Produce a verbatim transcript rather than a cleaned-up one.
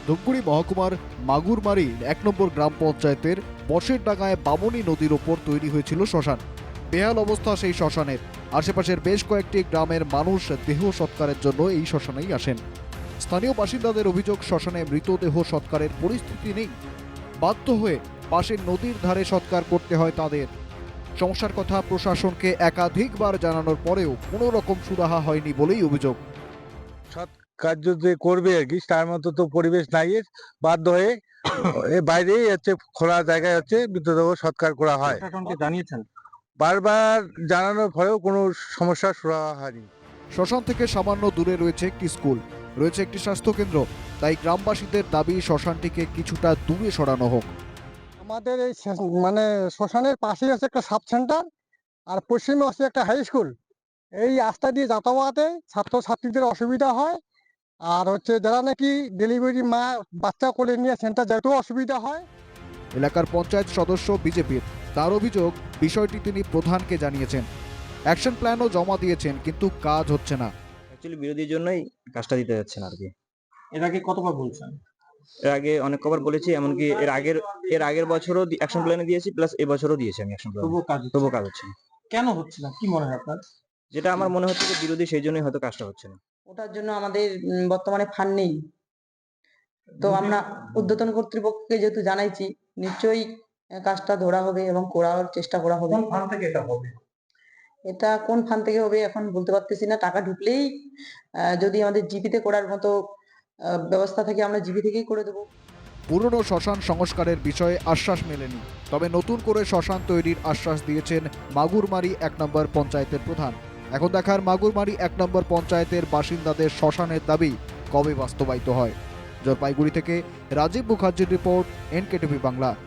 ধূপগুড়ি মহকুমার মাগুরমারি এক নম্বর গ্রাম পঞ্চায়েতের বসের ডাঙায় বামনী নদীর ওপর তৈরি হয়েছিল শ্মশান। বেহাল অবস্থা সেই শ্মশানের। আশেপাশের বেশ কয়েকটি গ্রামের মানুষ দেহ সৎকারের জন্য এই শ্মশানেই আসেন। স্থানীয় বাসিন্দাদের অভিযোগ, শ্মশানে মৃতদেহ সৎকারের পরিস্থিতি নেই। বাধ্য হয়ে পাশের নদীর ধারে সৎকার করতে হয় তাদের। সমস্যার কথা প্রশাসনকে একাধিকবার জানানোর পরেও কোনো রকম সুরাহা হয়নি বলেই অভিযোগ। সৎ কার্য যে করবে আর কি, তার মতো তো পরিবেশ নাই, এর বাধ্য হয়ে এ বাইরেই হচ্ছে খোলা জায়গায় হচ্ছে মৃতদেহ সৎকার করা হয়। প্রশাসনকে জানিয়েছেন? বারবার জানানোর পরেও কোনো সমস্যার সুরাহা হয়নি। শ্মশান থেকে সামান্য দূরে রয়েছে একটি স্কুল, রয়েছে একটি স্বাস্থ্যকেন্দ্র। তাই গ্রামবাসীদের দাবি শ্মশানটিকে কিছুটা দূরে সরানো হোক। আমাদের এই শেষ- মানে শ্মশানের পাশেই আছে একটা সাব সেন্টার, আর পশ্চিমে আছে একটা হাই স্কুল। এই রাস্তা দিয়ে যাতায়াতে ছাত্রছাত্রীদের অসুবিধা হয়, আর হচ্ছে যারা নাকি ডেলিভারি মা বাচ্চা কোলে নিয়ে সেন্টার যেতেও অসুবিধা হয়। এলাকার পঞ্চায়েত সদস্য বিজেপির, তার অভিযোগ বিষয়টি তিনি প্রধানকে জানিয়েছেন, অ্যাকশন প্ল্যানও জমা দিয়েছেন, কিন্তু কাজ হচ্ছে না। অ্যাকচুয়ালি বিরোধীর জন্যই কাজটা দিতে যাচ্ছেন আর কি। এর আগে কতবার বলছেন? এর আগে অনেক কবার বলেছি, এমনকি এর আগের এর আগের বছরও অ্যাকশন প্ল্যানে দিয়েছি, প্লাস এবছরও দিয়েছি আমি অ্যাকশন প্ল্যান। তবুও কাজ হচ্ছে না। তবুও কাজ হচ্ছে না। কেন হচ্ছে না, কি মনে হয় আপনার? যেটা আমার মনে হচ্ছে যে বিরোধী, সেই জন্যই হয়তো কাজটা হচ্ছে না। ওটার জন্য আমাদের উম, বর্তমানে ফান্ড নেই। তো আমরা ঊর্ধ্বতন কর্তৃপক্ষকে যেহেতু জানাইছি, নিশ্চয়ই আহ, কাজটা ধরা হবে এবং করার চেষ্টা করা হবে। কোন ফান্ড থেকে এটা হবে? এটা কোন ফান্ড থেকে হবে এখন বলতে পারতেছি না। টাকা ঢুকলেই আহ, যদি আমাদের জিপিতে করার মতো আহ, ব্যবস্থা থাকে, আমরা জিপি থেকেই করে দেবো। পুরনো শ্মশান সংস্কারের বিষয়ে আশ্বাস মেলেনি, তবে নতুন করে শ্মশান তৈরির আশ্বাস দিয়েছেন মাগুরমারি এক নম্বর পঞ্চায়েতের প্রধান। এখন দেখার মাগুরমারি এক নম্বর পঞ্চায়েতের বাসিন্দাদের শ্মশানের দাবি কবে বাস্তবায়িত হয়। জলপাইগুড়ি থেকে রাজীব মুখার্জির রিপোর্ট, এনকেটিভি বাংলা।